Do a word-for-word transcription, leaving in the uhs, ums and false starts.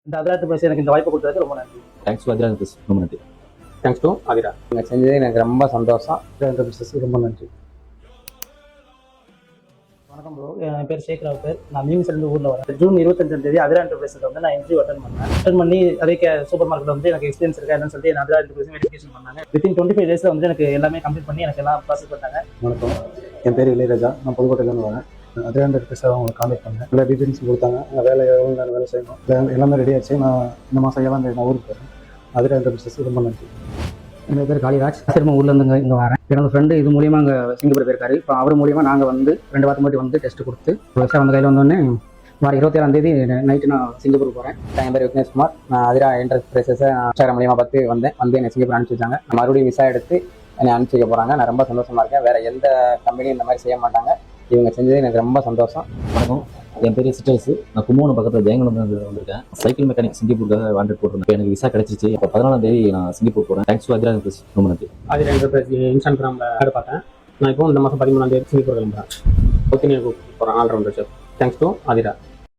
இந்த அதிராத்து பிரஸ் எனக்கு இந்த வாய்ப்பு கொடுத்ததுக்கு ரொம்ப நன்றி. தேங்க்ஸ் டு அதிராத்து பிரஸ் ரொம்ப நன்றி. Thanks to Athira. நீங்கள் செஞ்சது எனக்கு ரொம்ப சந்தோஷம். அதிராத்து பிரஸ் ரொம்ப நன்றி. வணக்கம் ப்ரோ, என் பேர் சேகராவ் பேர். நான் மியூசிலேருந்து ஊரில் வரேன். ஜூன் இருபத்தஞ்சாம் தேதி அதிரா என்டர்பிரைஸில் வந்து நான் இன்டர்வியூ அட்டன் பண்ணேன். அட்டன் பண்ணி அதே சூப்பர் மார்க்கெட் வந்து எனக்கு எக்ஸ்பீரியன்ஸ் இருக்கா என்னன்னு சொல்லிட்டு நான் அதிரா என்டர்பிரைஸ் வெரிஃபிகேஷன் பண்ணாங்க. வித்தின் டுவெண்ட்டி ஃபைவ் டேஸில் வந்து எனக்கு எல்லாமே கம்ப்ளீட் பண்ணி எனக்கு எல்லாம் ப்ராசஸ் பண்ணாங்க. வணக்கம், என் பேர் இளையராஜா. நான் புதுக்கோட்டையிலேருந்து வரேன். அதிரா என்டர்பிரைஸ் அவங்களை கான்டாக்ட் பண்ணேன். எல்லா டீட்டெயில்ஸ் கொடுத்தாங்க. நான் வேலை எவ்வளோ வேலை செய்யணும் எல்லாமே ரெடி ஆச்சு. நான் இந்த மாதம் ஏழாம் தேதி நான் ஊருக்கு போகிறேன். அதிரா என்டர்பிரைஸ் ரொம்ப நன்றி. என் பேர் காளிராஜ். திரும்ப ஊர்லேருந்து இங்கே வரேன். என்னோட ஃப்ரெண்டு இது மூலியமாக அங்கே சிங்கப்பூர் போயிருக்காரு. இப்போ அவர் மூலியமாக நாங்கள் வந்து ரெண்டு வாரத்துக்கு மட்டும் வந்து டெஸ்ட் கொடுத்து வருஷம் வந்து கையில் வந்தோடனே வார இருபத்தேழாம் தேதி நைட்டு நான் சிங்கப்பூர் போகிறேன். என் பேர் விக்னேஷ்குமார். நான் அதிரா என்டர்பிரைஸஸை இன்ஸ்டாகிராம் மூலியமாக பார்த்து வந்தேன். வந்து என்னை சிங்கப்பூர் அனுப்பிச்சி வச்சாங்க. நான் மறுபடியும் விசா எடுத்து என்னை அனுப்பிச்சி வைக்க போகிறாங்க. நான் ரொம்ப சந்தோஷமாக இருக்கேன். வேறு எந்த கம்பெனியும் இந்த மாதிரி செய்ய மாட்டாங்க. இவங்க செஞ்சது எனக்கு ரொம்ப சந்தோஷம். வணக்கம், என் பேர் சிஸ்டர்ஸ். நான் கும்பகோணம் பக்கத்தில் ஜெயங்கலம் வந்திருக்கேன். சைக்கிள் மெக்கானிக் சிங்கப்பூருக்காக வாண்டட் போட்டிருந்தேன். எனக்கு விசா கிடைச்சிச்சு. இப்போ பதினாலாம் தேதி நான் சிங்கப்பூர் போகிறேன். தேங்க்ஸ் டு அதிரா பிரஸ் ரொம்ப நன்றி. அதிரா என்டர்பிரைஸ் இன்ஸ்டாகிராமில் ஆட் பார்த்தேன். நான் இப்போ இந்த மாதம் பதிமூணாம் தேதி சிங்கப்பூர் கிளம்புறேன். ஒத்தினியை கூப்பிட்டு போகிறேன் all rounder chef. Thanks to Athira.